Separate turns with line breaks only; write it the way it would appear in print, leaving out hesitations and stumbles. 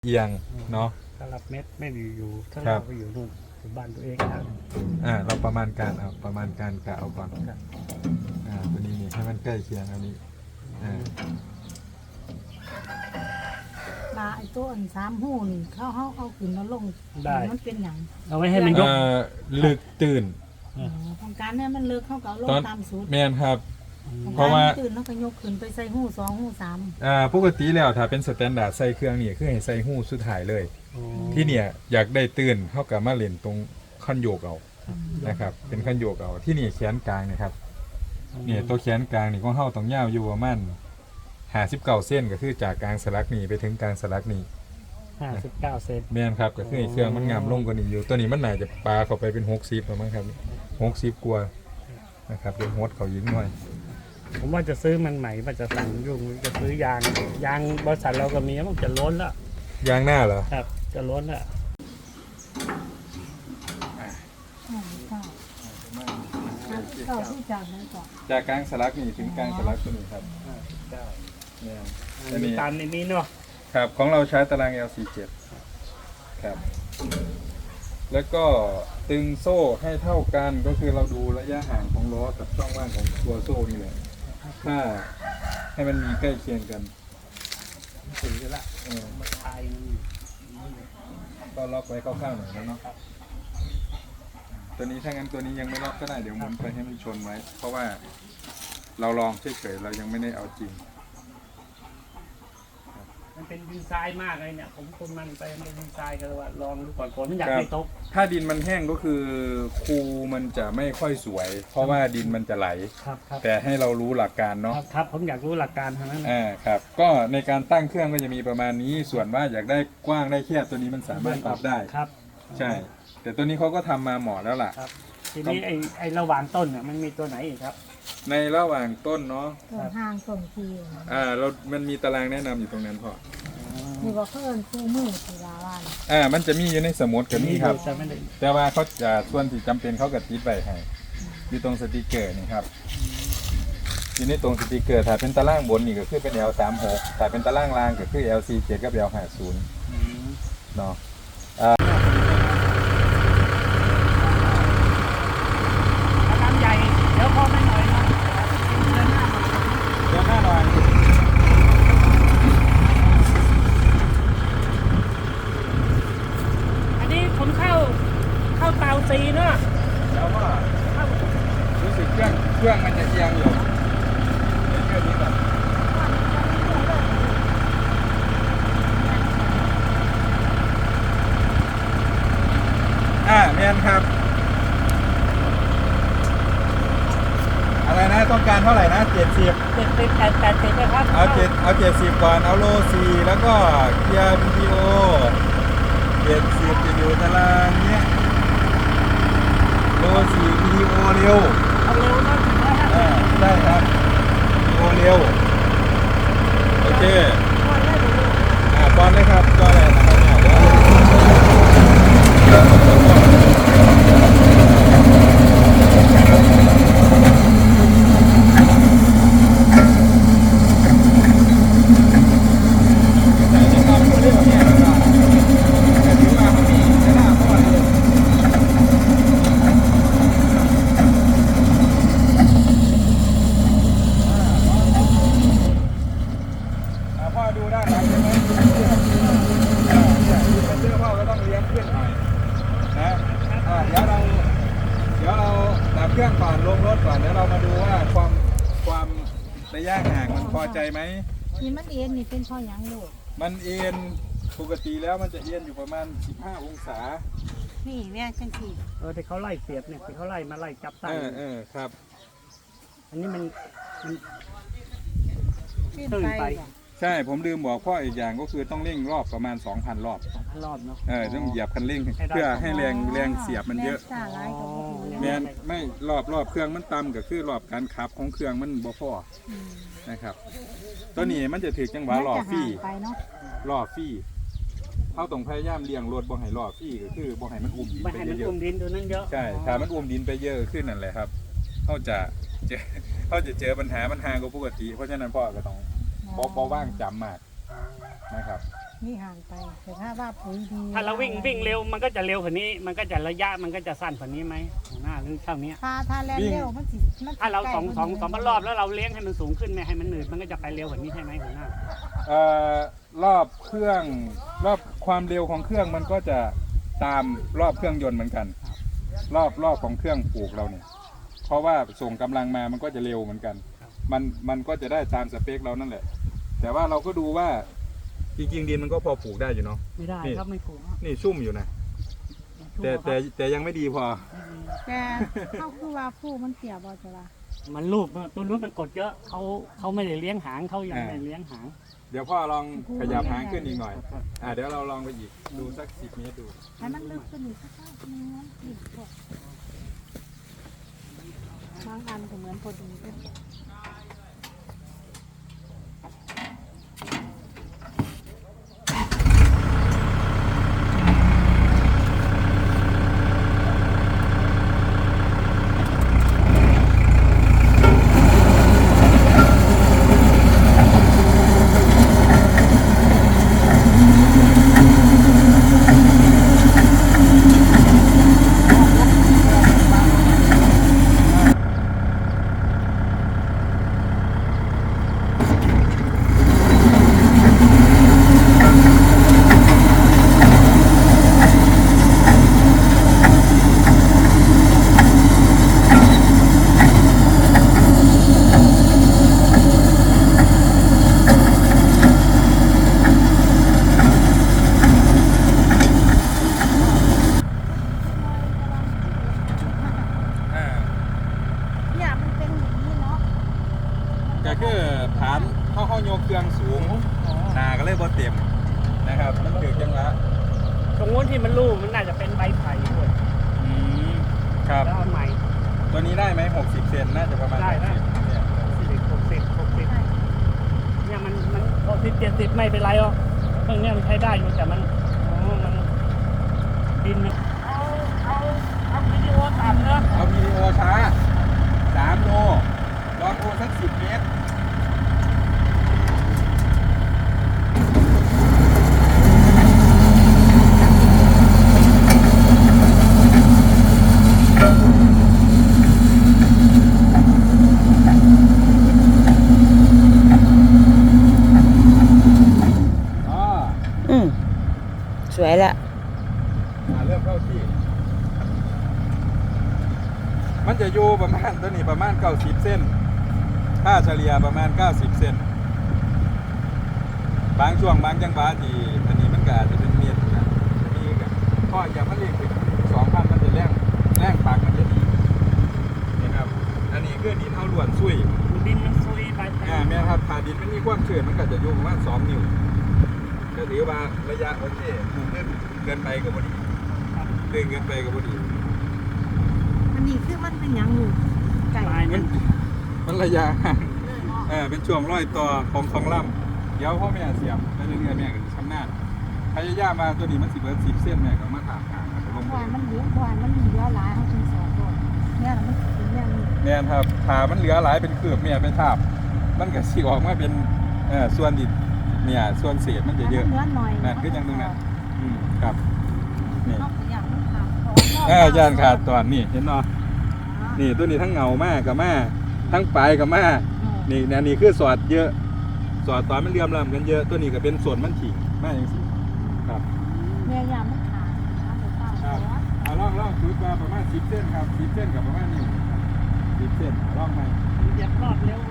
เอียงเนาะ
ถ้ารับเม็ดไม่อยู่ถ้าเราไปอยู่นู่นอยู่บ้านตัวเองครับ
เราประมาณการเอาประมาณการกะเอาก่อนตัวนี้นี่ให้มันใกล้เคียงอันนี้
ปลาไอ้ตัวอัน3 หูนี่เขาเอาขึ้นมาลงมันเป็นอย่าง
เอาไว้ให้มันยก
ลึกตื่น
ของการเนี่ยมันเลิกเข้ากับลงตามสูตร
แม่นครับ
เพราะว่าตื่นแล้วก็ยกขึ้นไปใส่หู2 หู 3
ปกติแล้วถ้าเป็นสแตนดาร์ดใส่เครื่องนี่คือให้ใส่หูสุดท้ายเลยที่เนี่ยอยากได้ตื่นเท่ากับมาเล่นตรงขั้นโยกเอานะครับเป็นขั้นโยกเอาที่นี่แขนกลางนะครับเนี่ยตัวแขนกลางนี่ของเฮาต้องยาวอยู่ประมาณ59 เส้นก็คือจากกลางสลักนี่ไปถึงกลางสลักนี่
59 เซน
แม่นครับก็คือเครื่องมันงามลงกว่านี้อยู่ตัวนี้มันน่าจะปลาเข้าไปเป็น60ประมาณครับ60กว่านะครับเป็นฮดเขายิงหน่อย
ผมว่าจะซื้อมันใหม่ว่าจะสั่งยุ่งจะซื้อยางบริษัทเราก็มีมันจะล้นแล้ว
ยางหน้าเหรอ
ครับจะล้นแล้ว
จากกลางสลักนี่ถึงกลางสลักตัวนี้ครับ
มีตามในนี้เนาะ
ครับของเราใช้ตาราง L47 ครับแล้วก็ตึงโซ่ให้เท่ากันก็คือเราดูระยะห่างของล้อกับช่องว่างของตัวโซ่นี่แหละถ้าให้มันมีใกล้เคียงกัน
ถึงแล้วมันคลาย
ก็ล็อกไว้คร่าวๆหน่อยแล้วเนาะตัวนี้ถ้างั้นตัวนี้ยังไม่ล็อกก็ได้เดี๋ยวหมุนไปให้มันชนไว้เพราะว่าเราลองเฉยๆเรายังไม่ได้เอาจริง
มันเป็นดินทรายมากเลยเนี่ยผมคนมันไปเป็นดินทรายก็เลยว่าลองดูก่อนฝนมันอยากให้ตก
ถ้าดินมันแห้งก็คือคูมันจะไม่ค่อยสวยเพราะว่าดินมันจะไหลแต่ให้เรารู้หลักการเนาะ
ครับผมอยากรู้หลักการทางนั้น
ครับก็ในการตั้งเครื่องก็จะมีประมาณนี้ส่วนว่าอยากได้กว้างได้แคบตัวนี้มันสามารถปรับได้
ครับ
ใช่แต่ตัวนี้เขาก็ทำมาเหมาะแล้วล่ะ
ทีนี้ไอ้ระหว่างต้นเนี่ยมันมีตัวไหนอีกครับ
ในระหว่างต้นเนาะ
ห่างต้นที
มันมีตารางแนะนำอยู่ตรงนั้นพอ
นี่ก็เพิ่นคู่มือที่ลาว่า
มันจะมีอยู่ในสมุดกับนี่ครับแต่ว่าเขาจะส่วนที่จำเป็นเขาก็ติดไว้ให้อยู่ตรงสติกเกอร์นี่ครับอยู่ในตรงสติกเกอร์ถ้าเป็นตารางบนนี่ก็คือเป็น L36 ถ้าเป็นตารางล่างก็คือ L47 กับ L50เนาะ
น้ำใหญ่เดี๋ยวพอไม่หน่อยนะ
เดี๋ยวหน้าหน่อย
ผมเข้าเตาตีเนาะ
แล้วว่ารู้สึกเครื่องมันจะเอียงอยู่ในเครื่องนี้ก่อนแมนครับอะไรนะต้องการเท่าไหร่นะ
70นะครับ
เอา70ก่อนเอาโล4แล้วก็เกียร์ BTO 70จะอยู่ตารางเนี้ยโล4 BTO เร็ว
เอาเร็วนะ
ได้ครับ BTO เร็วโอเคบอลเลยครับก็เลยนะครับดูได้ไหมใช่ไหมเป็นเสื้อพ่อก็ต้องเลี้ยงขึ้นหน่อยนะเดี๋ยวเราดับเครื่องก่อนลงรถก่อนเดี๋ยวเรามาดูว่าความระยะห่างมันพอใจไหม
นี่มันเอ็นนี่เป็นข้อยังลูก
มันเอ็นปกติแล้วมันจะเอ็นอยู่ประมาณ15 องศา
นี่แม่จังสิ
ที่เขาไล่เสียบเนี่ยที่เขาไล่มาไล่จับตั้ง
ครับ
อันนี้มัน
ตื่นไป
ใช่ผมลืมบอกพ่ออีกอย่างก็คือต้องเร่งรอบประมาณ 2,000 รอบ
เนาะ
ต้องเหยียบคันเร่งเพื่อให้แรงเสียบมันเยอะไม่รอบเครื่องมันต่ำก็คือรอบการขับของเครื่องมันบ่พอนะครับตัวนี้มันจะถือจังหวะรอบฟี่รอบฟี่เขาต้องพยายามเลี้ยงรถบ่ให้รอบฟี่ก็คือบ่ให้มันอุ้มดินไปเยอะใช่ถ้ามันอุ้มดินไปเยอะขึ้นนั่นแหละครับเขาจะเจอปัญหามันห่างกว่าปกติเพราะฉะนั้นพ่อก็ต้องพอว่างจำมากนะครับ
นี่ห่างไป แต่ถ้าว่าปุ๋ยดี
ถ้าเราวิ่งเร็วมันก็จะเร็วกว่านี้ มันก็จะระยะมันก็จะสั้นกว่านี้ไหมหัวหน้าหรือเท่านี้
ถ้าแล่นเร็วมันสิมันสิ
ถ้าเรา
ใกล้
สองรอบแล้วเราเลี้ยงให้มันสูงขึ้นไม่ให้มันหนืดมันก็จะไปเร็วกว่านี้ใช่ไหมหัวหน้าร
อบเครื่องรอบความเร็วของเครื่องมันก็จะตามรอบเครื่องยนต์เหมือนกัน รอบของเครื่องปลูกเราเนี่ยเพราะว่าส่งกำลังมามันก็จะเร็วเหมือนกัน มันก็จะได้ตามสเปคเรานั่นแหละ แต่ว่าเราก็ดูว่าจริงๆดินมันก็พอปลูกได้อยู่เนาะ
ไม่ได้ครับไม่ถูก
นี่ชุ่มอยู่นะแต่ยังไม่ดีพอ
แต่เขาคือว่าผู้มันเสียบ่จ้ะล่ะ
มันลูกตัวนู้นมันกดเยอะเขาไม่ได้เลี้ยงหางเขายังไม่ได้เลี้ยงหาง
เดี๋ยวพ่อลองขยับหางขึ้นอีกหน่อยเดี๋ยวเราลองไปอีกดูสัก10 เมตรดู
ให้มันลึกขึ้นอีกสักนิดนึงนะอีกพวกบางอันก็เหมือนพอดีเลย เนี่ยมันเป็นอย่างนี้เนาะ
ก็คือฐานเข้าโยกเครื่องสูงหนาก็เลยบ่เต็มนะครับมันถือจังละ
ตรงนู้นที่มันลูกมันน่าจะเป็นใบไผ่ด้วย
ครับ
แล้วเอาใหม่
ตัวนี้ได้ไหม60 เซนน่าจะประมาณ
ได้
60เนี่ย
60เนี่ยมัน60 70ไม่เป็นไรหรอกเครื่องเนี้ยมันใช้ได้อยู่แต่มันมันดินมันเอาวิดีโอต่ำเนอะ
เอาวิดีโอช้า3 โลลองโอสัก10 เมตร
สวยละ
เริ่มเข้าที่ มันจะอยู่ประมาณตัวนี้ประมาณ90 เส้นค่าเฉลี่ยประมาณ90 เส้นบางช่วงบางจังหวะที่อันนี้มันก็อาจจะเป็นเมตรนะมีกับข้ออย่างมันเรียกถึง2,000มันจะแรงปากมันจะดีนี่ครับอันนี้คือดินเท่าล้วนซุย
ดินมันซุยไป
แม่ครับถ้าดินมันมีความชื้นมันก็จะอยู่ประมาณ2 นิ้วก็ถือว่าระยะโอเคปลูกเกินไปกับพอดีเกินไปกับพอดี
อันนี้คือมันเป็นอย่างงูไก่
ตายมัน
มันระยะห่างเป็นช่วงร้อยต่อของลำเดี๋ยวพ่อแม่เสียบไปเรื่อยๆแม่ก็ชำนาญพยายามมาตัวนี้มัน10 เส้นแม่ก็มาถามหาลง
ควายมันเหลืองควายมันมีเยอะหลายเขาถึงสอนตัวเนี่ยมันเป็นอย่างนี้
แม่นครับขามันเหลือหลายเป็นเกือบแม่ไปทาบมันก็สิออกมาเป็นส่วนดินเนี่ยส่วนเศษมันจะเยอะ
เนื้อหน่อย
นั่นคืออย่างนึงนะครับนี่
นอกจากมันขาด
ย่านขาดตอนนี่เห็นเนาะนี่ตัวนี้ทั้งเงามากกับมาทั้งปลายกับมานี่อันนี้คือสอดเยอะสอดตอนมันเรียมลำกันเยอะตัวนี้ก็เป็นส่วนมันถี่มากอย่างสิครับ
เนี่ยยามมันขาด
ครับเอาล่องชุดมาประมาณ10 เส้นครับ10 เส้นกับประมาณนิ้ว10 เส้นล่องไป
เหยียบรอบเร็ว